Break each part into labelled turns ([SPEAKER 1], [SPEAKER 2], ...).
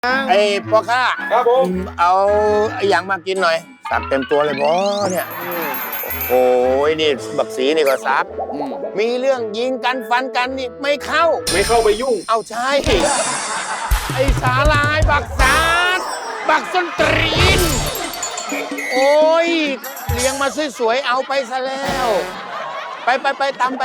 [SPEAKER 1] ไอ้พ่อข้า
[SPEAKER 2] ครับผม
[SPEAKER 1] เอาอย่างมากินหน่อยสับเต็มตัวเลยบอเนี่ยโอ้ยนี่บักสีนี่ก็ซับมีเรื่องยิงกันฟันกันนี่ไม่เข้า
[SPEAKER 2] ไม่เข้าไปยุ่ง
[SPEAKER 1] เอาใช่ไอ้สาลายบักสาดบักส้นตรีนโอ้ยเลี้ยงมาสวยๆเอาไปซะแล้ว ไปตามไป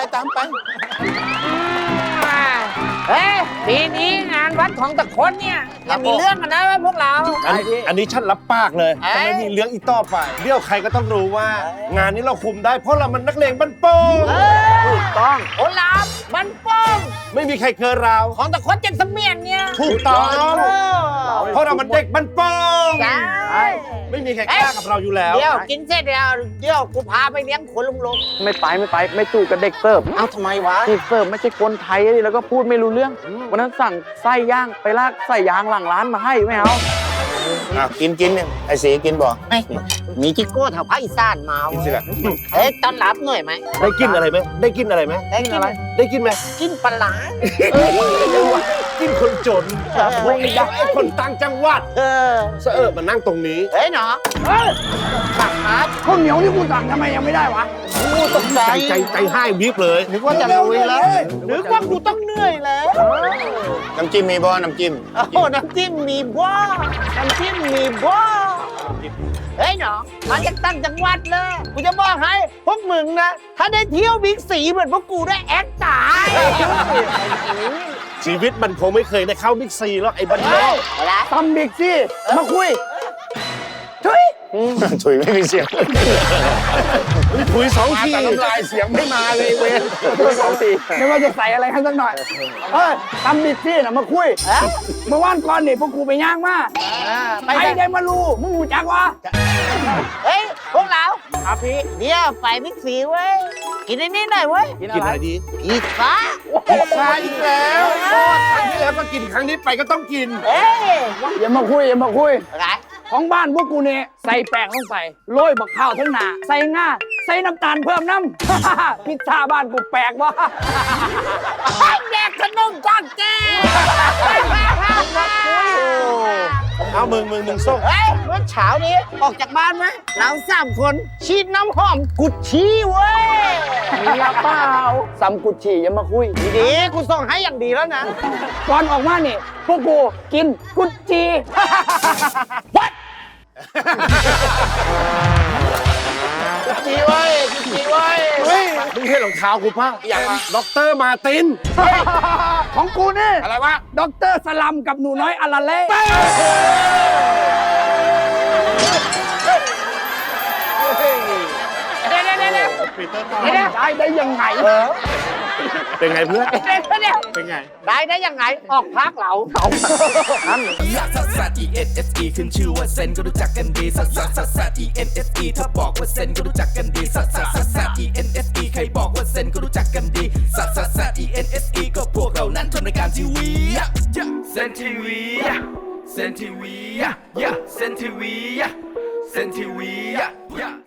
[SPEAKER 3] เฮ้ยปีนี้งานวัดของตะคนเนี่ยยังมีเรื่องกันนะว่าพวกเรา
[SPEAKER 4] อันนี้ฉันรับปากเลย
[SPEAKER 3] เอ้ย
[SPEAKER 4] จะไม่มีเรื่องอีกต่อไปเดี๋ยวใครก็ต้องรู้ว่า งานนี้เราคุมได้เพราะเรามันนักเลงบันโป้ง
[SPEAKER 3] ถูกต้องโอลาฟบันป้อง
[SPEAKER 4] ไม่มีใครเกินเรา
[SPEAKER 3] ของตะคนเจ็ดเสมียนเนี่ย
[SPEAKER 4] ถูกต้องเพราะเรามันเด็กบันโป้ง
[SPEAKER 3] ใช่
[SPEAKER 4] ไม่มีใครกล้ากับเราอยู่แล้ว
[SPEAKER 3] เดี๋ยวกินเสร็จเดี๋ยวกูพาไปเลี้ยงขนลุง
[SPEAKER 5] ไม่ไปไม่จูกับเด็กเสิร์ฟ
[SPEAKER 3] ๆเอาทำไมวะ
[SPEAKER 5] เด็กเสิร์ฟไม่ใช่คนไทยดิแล้วก็พูดไม่รู้เรื่องวันนั้นสั่งไส้ย่างไปลากไส้ยางหลังร้านมาให้ไม่เอา
[SPEAKER 1] กินเนี่ยไอ้สีกินบ่
[SPEAKER 3] ไม่มีจิโก้แถวภาคอีสานมา
[SPEAKER 4] กินสิ
[SPEAKER 3] เว้ย
[SPEAKER 4] ล่ะ
[SPEAKER 3] เฮ้ยต้อนรับหน่อยไหม
[SPEAKER 4] ได้กินอะไรไหมได้กินอะไรไหม
[SPEAKER 3] ได้กินอะไร
[SPEAKER 4] ได้กินไหม
[SPEAKER 3] กินปลาร้า
[SPEAKER 4] กินคนจน
[SPEAKER 3] ไม่ได้
[SPEAKER 4] ไอ้คนต่างจังหวัด
[SPEAKER 3] เออ
[SPEAKER 4] เสอะมานั่งตรงนี้
[SPEAKER 3] เฮ้ยเนาะ
[SPEAKER 5] ผักอาร์ตข้าวเหนียวที่กูสั่งทำไมยังไม่ได้วะ
[SPEAKER 3] กูตกใจ
[SPEAKER 4] ใจให้วิบเลย
[SPEAKER 3] นึกว่าจะลุยแล้วนึกว่ากูต้องเหนื่อยแล้ว
[SPEAKER 1] น้ำจิ้มมีบ่น้ำจิ้ม
[SPEAKER 3] โอ้โหน้ำจิ้มมีบ้าน้ำจิ้มมีบ้าเฮ้ยหนอมาจากต่างจังหวัดเลยกูจะบอกให้พวกมึงนะ ถ้าได้เที่ยวบิ๊กซีเหมือนพวกกูได้แอคตาย
[SPEAKER 4] ชีวิตมันคงไม่เคยได้เข้าบิ๊กซีหรอกไอ้บันโป้ง
[SPEAKER 3] อะไร
[SPEAKER 5] ตำบิ๊กซี่มาคุย
[SPEAKER 1] ถุยไม่มีเสียง
[SPEAKER 4] ถุยสอง
[SPEAKER 1] มา
[SPEAKER 4] ที
[SPEAKER 1] แต่น้ำลายเสียงไม่มาเลยเว้ย
[SPEAKER 5] ไม่ว่าจะใส่อะไรให้สักหน่อยตำบิ๊กซี่น่ะมาคุยเมื่อวานก่อนนี่พวกกูไปย่างมา
[SPEAKER 3] ไป
[SPEAKER 5] ใครได้มารู้มึงหูจักวะ
[SPEAKER 3] เฮ้ยพวกเราครับพี่เดี๋ยวไปบิ๊กซีเว้ยกินไอ้นี่หน่อยเว้ย
[SPEAKER 4] กินอะไรดี
[SPEAKER 3] พิซซ่า
[SPEAKER 4] ใช่อีกแล้วครั้งที่แล้วก็กินครั้งนี้ไปก็ต้องกิน
[SPEAKER 3] เอ้ย
[SPEAKER 5] อย่ามาคุย
[SPEAKER 3] อะไร
[SPEAKER 5] ของบ้านพวกกูเนี่ยใส่แป้งลงไปโรยบักข้าวทั้งหนาใส่ง่าใส่น้ำตาลเพิ่มน้ำ พิซซ่าบ้านกูแปลกวะ
[SPEAKER 3] แดกขนมจากแก
[SPEAKER 4] เอามึงส่ง
[SPEAKER 3] เฮ้ยเมื่อเช้านี้ออกจากบ้านไหมเรา3 คนฉีดน้ำหอมกุชชี่เว้ย
[SPEAKER 5] มียาเปล่าซัมกุชชี่อย่ามาคุย
[SPEAKER 3] ดีๆกูส่งให้อย่างดีแล้วนะ
[SPEAKER 5] ก่อนออกมานี่พวกกูกินกุชชี่
[SPEAKER 1] จีไว้จีไว้
[SPEAKER 4] เฮ้ยมึงเห็นรองเท้ากูป่ะ
[SPEAKER 1] อย่างไร
[SPEAKER 4] ด็อกเตอร์มาติน
[SPEAKER 5] ของกูนี่
[SPEAKER 1] อะไรวะ
[SPEAKER 5] ด็อกเตอร์สลัมกับหนูน้อยอาราเล่
[SPEAKER 3] เดี๋ยว
[SPEAKER 5] ได้ยังไง
[SPEAKER 4] เป็นไงเพื่อน
[SPEAKER 3] เดี๋ยว
[SPEAKER 4] เป็นไง
[SPEAKER 3] ได้ยังไงออกพักเหลา
[SPEAKER 6] ลักซัสซัส E N S E ขึ้นชื่อว่าเซนก็รู้จักกันดีซัสซัสซัสซัส E N S E ถ้าบอกว่าเซนก็รู้จักกันดีซัสซัสซัสซัส E N S E ใครบอกว่าเซนก็รู้จักกันดีซัสซัสซัส E N S E ก็พวกเรานั้นทำรายการทีวีเซนทีวีเซนทีวีเซนทีวีเซนทีวี